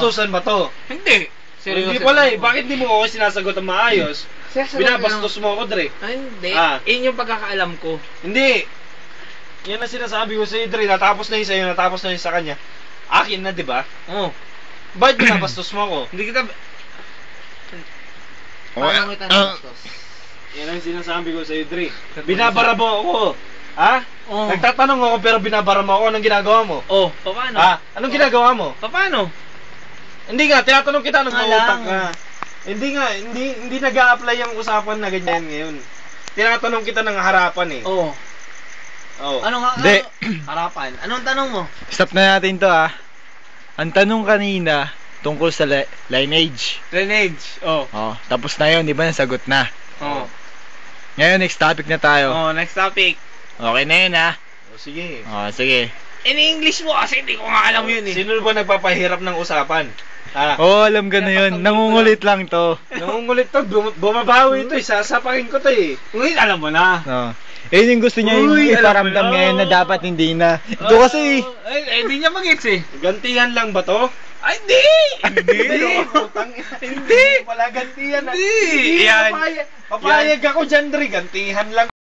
Binabastusan ba to? Hindi. Seryoso. Hindi pala eh. Bakit di mo ako sinasagot ang maayos? Binabastos mo ako, Dre. Ay, hindi. Ah. Yun yung pagkakaalam ko. Hindi. Yan ang sinasabi ko sa'yo, Dre. Natapos na yun sa'yo, natapos na yun sa kanya. Akin na, di ba? Oo. Bakit binabastos mo ako? Hindi kita... Paano kita nabastos? Yan ang sinasabi ko sa'yo, Dre. Binabara mo ako. Ha? Oo. Nagtatanong ako pero binabara mo ako. Anong ginagawa mo? Oh, paano? Ha? Anong ginagawa mo? Paano? Hindi nga, tinatanong kita nung Nga mautak lang. ka. Hindi nga, hindi nag-a-apply yung usapan na ganyan ngayon. Tinatanong kita ng harapan eh. Oo. Oh. Ano nga? Hindi. Harapan. Anong tanong mo? Stop na natin to Ang tanong kanina tungkol sa lineage. Drainage. Oh. Oh, tapos na yun, di ba? Nasagot na. Oh. Ngayon, next topic na tayo. Oh, next topic. Okay na yun Oh, sige. Oh, sige. In English mo kasi hindi ko nga alam yun eh. Sino ba nagpapahirap ng usapan? Ha? Oh, alam ka na yun. Nangungulit lang to. Nangungulit to, bumabawi ito eh. Sasapakin ko to eh. Uy, alam mo na. Oh. Eh, yung gusto niya yung Uy, alam iparamdam mo na. ngayon na dapat hindi na. Ito kasi, Ay, hindi niya mag-gets eh. Gantihan lang ba to? Ay, hindi! Hindi. Hindi. Wala gantihan. Hindi. Yan. Papayag ako dyan, Dre. Gantihan lang.